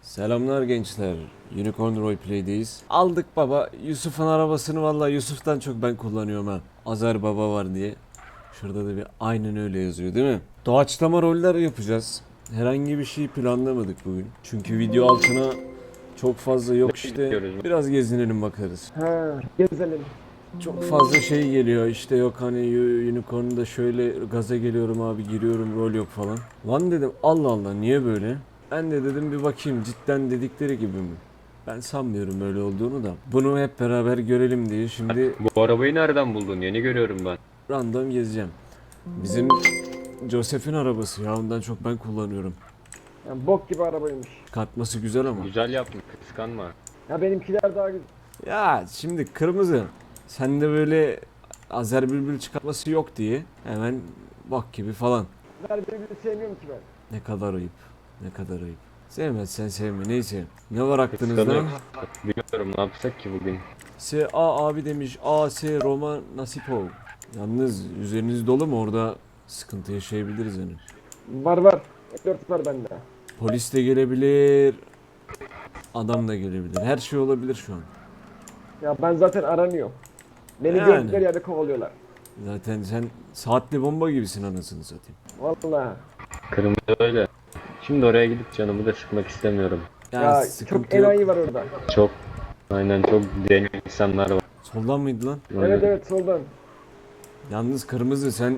Selamlar gençler. Unicorn Roleplay'deyiz. Aldık baba. Yusuf'un arabasını vallahi Yusuf'tan çok ben kullanıyorum ha. Azer baba var diye. Şurada da bir aynen öyle yazıyor değil mi? Doğaçlama roller yapacağız. Herhangi bir şey planlamadık bugün. Çünkü video altına çok fazla yok işte. Biraz gezinelim bakarız. Ha, gezelim. Çok fazla şey geliyor işte yok hani Unicorn'da şöyle gaza geliyorum abi giriyorum rol yok falan. Lan dedim Allah Allah niye böyle? Ben de dedim bir bakayım cidden dedikleri gibi mi? Ben sanmıyorum öyle olduğunu da. Bunu hep beraber görelim diye şimdi Bu arabayı nereden buldun? Yeni görüyorum ben. random gezeceğim. Bizim Joseph'in arabası ya ondan çok ben kullanıyorum. Yani bok gibi arabaymış. Katması güzel ama. Güzel yapmış, kıskanma. Ya benimkiler daha güzel. Ya şimdi kırmızı. Sende böyle Azer Bülbül çıkartması yok diye hemen bak gibi falan. Ben birbirini sevmiyorum ki ben. Ne kadar ayıp. Ne kadar ayıp. Sevmezsen sevme. Neyse. Ne var aklınızda? Kıskanıyor. Bilmiyorum ne yapsak ki bugün. S.A. abi demiş. A.S. Roma Nasipov. Yalnız üzeriniz dolu mu? Orada sıkıntı yaşayabiliriz hani. Var. 4 var bende. Polis de gelebilir. Adam da gelebilir. Her şey olabilir şu an. Ya ben zaten aranıyorum. Beni Yani. gördükleri yerde kovalıyorlar. Zaten sen saatli bomba gibisin anasını satayım. Vallahi. Kırmızı öyle. Şimdi oraya gidip canımı da sıkmak istemiyorum. Ya sıkıntı çok yok. enayi var orada. Çok, aynen çok deli insanlar var. Soldan mıydı lan? Evet soldan. Yalnız kırmızı sen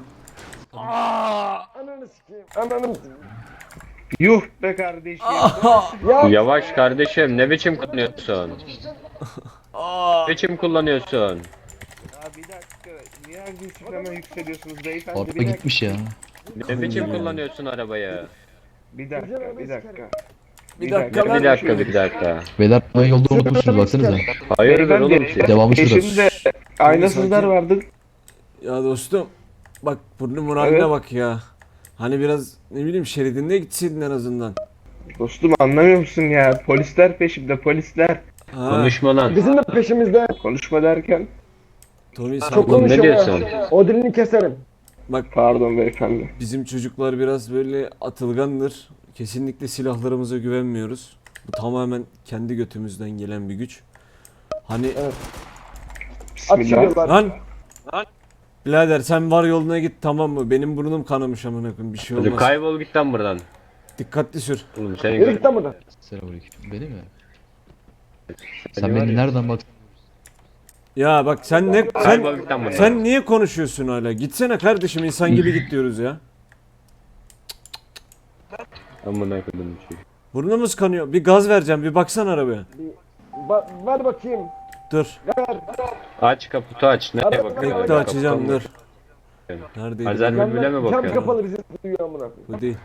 Ananı sikeyim. Ananı sikeyim. Yuh be kardeşim. Ya Yavaş kardeşim, ne biçim kullanıyorsun? Ne biçim kullanıyorsun? Ya bir dakika. Niye agresif hemen yükseliyorsunuz beyefendi? Araba Bir dakika. gitmiş ya. Ne biçim kullanıyorsun arabayı? Bir dakika. Bir dakika Bir lan. dakika, bir dakika. Beyler yolda unutmuşsunuz baksanıza. Hayırdır oğlum siz? Devamı şurada. Peşimde aynasızlar Sakin. vardı. Ya dostum bak burnumun haline Evet. bak ya. Hani biraz ne bileyim şeridinde gitseydin en azından. Dostum anlamıyor musun ya? Polisler peşimde polisler. Ha, Konuşma lan. bizim de peşimizde. Konuşma derken. Tommy Çok sakin. Oğlum ne konuşuyor diyorsun? ya. O dilini keserim. Bak Pardon beyefendi. bizim çocuklar biraz böyle atılgandır. Kesinlikle silahlarımıza güvenmiyoruz. Bu tamamen kendi götümüzden gelen bir güç. Hani Bismillah. Atışıyorlar. lan birader sen var yoluna git tamam mı? Benim burnum kanamış amına koyayım bir şey Hadi olmaz. kaybol git lan buradan. Dikkatli sür. Oğlum seni Yürü gör. git lan buradan. Selamünaleyküm. Beni mi? Seni Sen var beni ya. nereden bak? Ya bak sen ne Kaybol git lan buradan. sen niye konuşuyorsun hala? Gitsene kardeşim insan gibi git diyoruz ya. Amına koydum bir şey. Burnumuz kanıyor. Bir gaz vereceğim. Bir baksana arabaya. Ver bakayım. Dur. Ver. Aç kaputu aç. Nereye Bekle, bakıyorsun? Bekle açacağım dur. bakıyorum. Neredeydi? Azer bu? Bülbül'e mi Cam bakıyorsun? kapalı bizi duyuyor amına koyayım. Bu değil.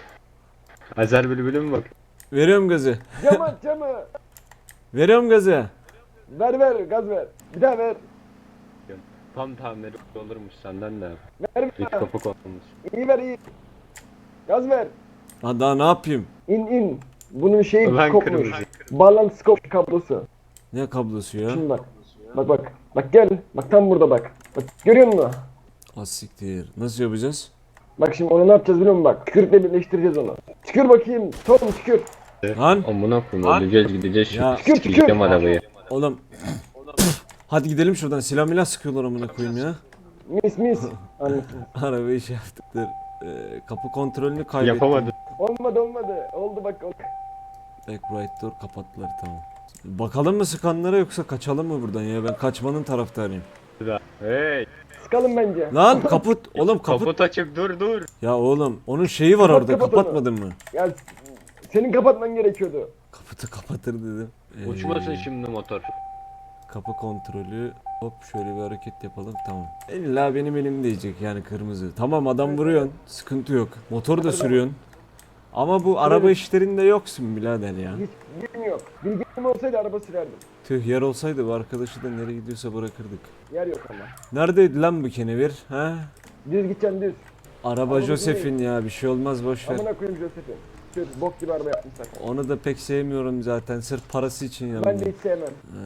Azer Bülbül'e mi bak? Veriyorum gazı. Camı aç camı. Veriyorum gazı. Ver gaz ver. Bir daha ver. Tam tamiri olurmuş senden de. Ver bir İlk daha. kapak olmuş. İyi ver iyi. Gaz ver. Ha daha ne yapayım? İn. Bunun şeyi Ulan kopmuş. kırmızı. Bağlantısı kopmuş kablosu. Ne kablosu ya? Şimdi bak. Bak. Bak gel. Bak tam burada bak. Bak görüyor musun? Az siktir. Nasıl yapacağız? Bak şimdi onu ne yapacağız biliyor musun bak. Tükürükle birleştireceğiz onu. Tükür bakayım. Tom tükür. Lan Amına koyayım öleceğiz gideceğiz Ya. şimdi sikeceğim arabayı. oğlum. Hadi gidelim şuradan. Silah milah sıkıyorlar amına koyayım ya. Mis. Anlasın. Arabayı şey yaptık dur. Kapı kontrolünü kaybettim. Yapamadım. Olmadı. Oldu bak. Back right door kapattılar tamam. Bakalım mı sıkanlara yoksa kaçalım mı buradan ya? Ben kaçmanın taraftarıyım. Hey Sıkalım bence. Lan kaput. Oğlum kaput. kaput açık dur. Ya oğlum onun şeyi var Kapat, orada. kapat onu. Kapatmadın mı? Ya senin kapatman gerekiyordu. Kaputu kapatır dedim. Uçmasın şimdi motor. Kapı kontrolü. Hop şöyle bir hareket yapalım tamam. İlla benim elim değecek yani kırmızı. Tamam adam vuruyorsun. Sıkıntı yok. Motor da sürüyorsun. Ama bu araba işlerinde yoksun birader ya. Hiç bilgim yok. Bilgim olsaydı araba sürerdim. Tüh yer olsaydı bu arkadaşı da nereye gidiyorsa bırakırdık. Yer yok ama. Neredeydi lan bu kenevir? Ha? Düz gideceksin düz. Araba Ama Joseph'in ya bir şey olmaz boş ver. Amına koyayım Joseph'i. Sür bok gibi araba yapmışlar. Onu da pek sevmiyorum zaten sırf parası için Ben yanımda. de hiç sevmem.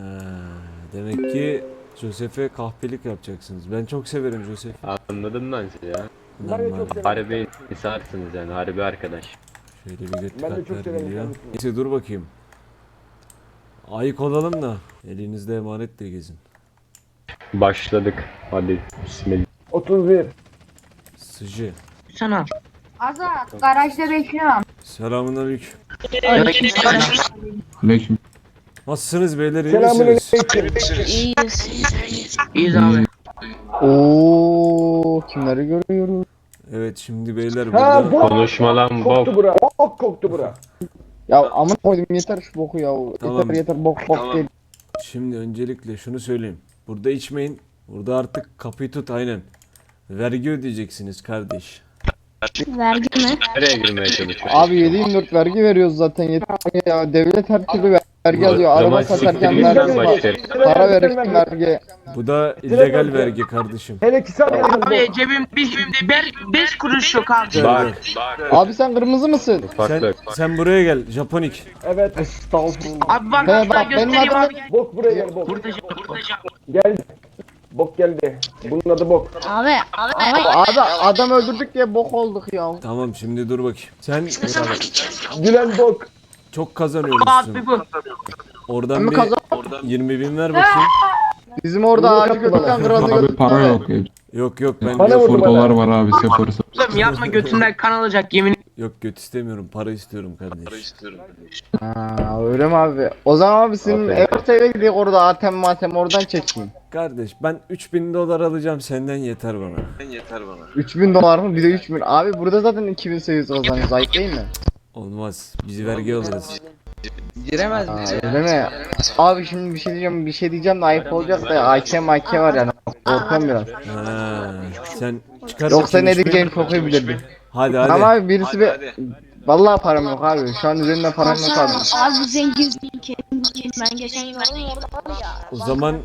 Demek ki Joseph'e kahpelik yapacaksınız. Ben çok severim Joseph'i. Anladım ben sizi ya. Ben de çok severim. Harbi insansınız yani harbi arkadaş. Şöyle bir göt Ben de çok kartlar severim geliyor. kendisini. Neyse dur bakayım. Ayık olalım da elinizde emanetle gezin. Başladık. Hadi bismillah. 31. Sıcı. Sana. Azat garajda bekliyorum. Selamünaleyküm. Aleyküm. Nasılsınız beyler, iyi Selamun misiniz? aleyküm. İyiyiz abi. Oo, kimleri görüyoruz? Evet şimdi beyler Ha burada. bok Konuşma lan koktu bok. bura. Bok koktu bura. Ya amına koydum yeter şu boku ya. Tamam. Yeter bok değil. Şimdi öncelikle şunu söyleyeyim. Burada içmeyin. Burada artık kapıyı tut aynen. Vergi ödeyeceksiniz kardeş. Vergi mi? Nereye girmeye çalışıyorsun? Abi 7/24 vergi veriyoruz zaten yeter ya. Devlet her türlü vergi alıyor. Araba Zaman satarken siktir vergi git lan var. başlarım. Para verirken vergi. Bu da illegal vergi kardeşim. Hele ki sen Abi cebimde 5 kuruş yok abi. Bak. Abi sen kırmızı mısın? Sen, Ufaklık. sen buraya gel Japonik. Evet. Estağfurullah. Abi bak He, hatta bak, benim göstereyim adım- abi. Bok buraya gel bok. Burada Gel. Bok geldi. Bunun adı bok. Abi. Abi adam öldürdük diye bok olduk ya. Tamam şimdi dur bakayım. Sen Gülen bok. çok kazanıyormuşsun. abi bu. Oradan Ama bir kazan- 20 bin ver bakayım. Bizim orada Bunu ağacı yapma götürken bana. kırazı Abi götürdük. para yok. Yok ben Bana vurdu bana. Dolar var abi yaparız. Oğlum yapma götünden kan alacak yemin. yok göt istemiyorum, para istiyorum kardeş. Ha, öyle mi abi? O zaman abi senin Aferin. ERT'ye gidelim orada ATM oradan çekeyim. Kardeş ben 3000 dolar alacağım senden, yeter bana. 3000 dolar mı? Bir de 3000. Abi burada zaten 2800 kazanıyoruz. Ayıp değil mi? Olmaz. Biz vergi alırız. Giremez Aa, öyle mi? Abi şimdi bir şey diyeceğim de ayıp olacak da AK var yani. Korkuyorum biraz. Ha, sen çıkar Yoksa bakayım ne 3000. diyeceğini çok iyi bilirdim. Hadi hadi. Ama abi birisi bir... Vallahi param yok abi. Şu an üzerimde param yok abi. Abi zengin. Ben geçen gün aldım orada var ya. O zaman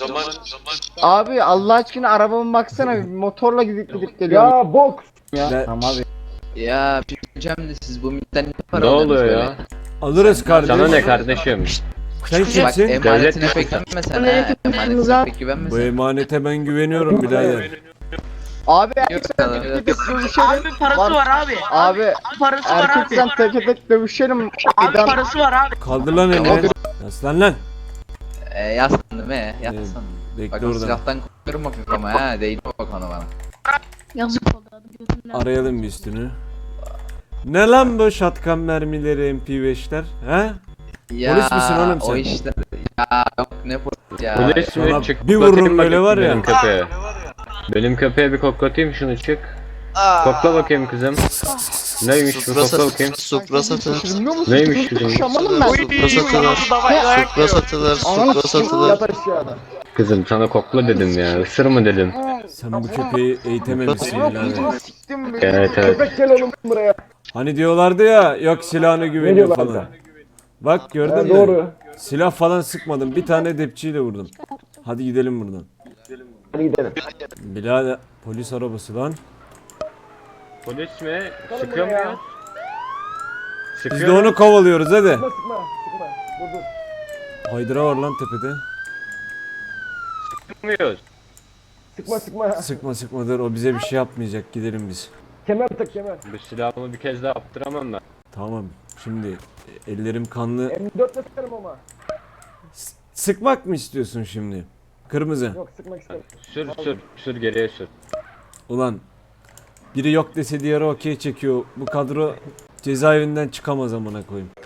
Abi Allah aşkına arabama baksana bir motorla gidip geliyorum Ya bok. ya. Ben- Tamam abi. Ya bileceğim de siz bu milletten ne para Ne alıyorsunuz oluyor böyle? ya? alırız kardeş. Sana ne kardeşim? Sen Bak kimsin? emanetine Devlet- pek güvenme sen Bu ne ha. Emanetine pek Bu güvenme emanete ben güveniyorum birader. Abi Yok, erkek dövüşelim. Abi parası var abi. Abi Parası var erkek abi. sen teke tek dövüşelim. Abi Eden- parası var abi. Kaldır lan elini. Yaslan lan. Yaslandım yaslandım. Bekle Bak o oradan. silahtan korkuyorum bakayım ama ha. Değil bak ona bana. Yazık oldu adam götünden. Arayalım bir üstünü. Ne lan bu şatkan mermileri MP5'ler? He? Ya Polis misin oğlum sen? o işler. Ya yok ne polis ya. Polis Sana mi? Çık. bir koklatayım vururum böyle bakayım var ya. Benim köpeğe. Benim köpeğe bir koklatayım şunu çık. Kokla bakayım kızım. Neymiş bu, kokla bakayım. Supra satılır. Bilmiyor musun? Neymiş kızım? Şamanım ben. Supra satılır. Supra satılır. Ananı Supra sikeyim, satılır. yat aşağıda. Kızım sana kokla dedim ya. Isır mı dedim. Sen bu köpeği eğitememişsin birader. Siktim be. Evet evet. Köpek gel oğlum buraya. Hani diyorlardı ya yok silahına güveniyor diyorlardı? falan. Bak gördün Ha, mü? doğru. Silah falan sıkmadım. Bir tane depçiyle vurdum. Hadi gidelim buradan. Hadi gidelim. Birader polis arabası lan. Polis mi? Sıkıyor mu buraya. ya? Biz de Sıkıyor mu? onu kovalıyoruz hadi. Sıkma. Dur dur. Haydıra var lan tepede. Sıkmıyoruz. Sıkma. Sıkma dur, o bize bir şey yapmayacak, gidelim biz. Kemer tak kemer. Bu silahımı bir kez daha yaptıramam ben. Tamam şimdi ellerim kanlı. M4'le sıkarım ama. Sıkmak mı istiyorsun şimdi? Kırmızı. Yok sıkmak istemiyorum. Sür geriye sür. Ulan biri yok dese diğeri okey çekiyor. Bu kadro cezaevinden çıkamaz amına koyayım.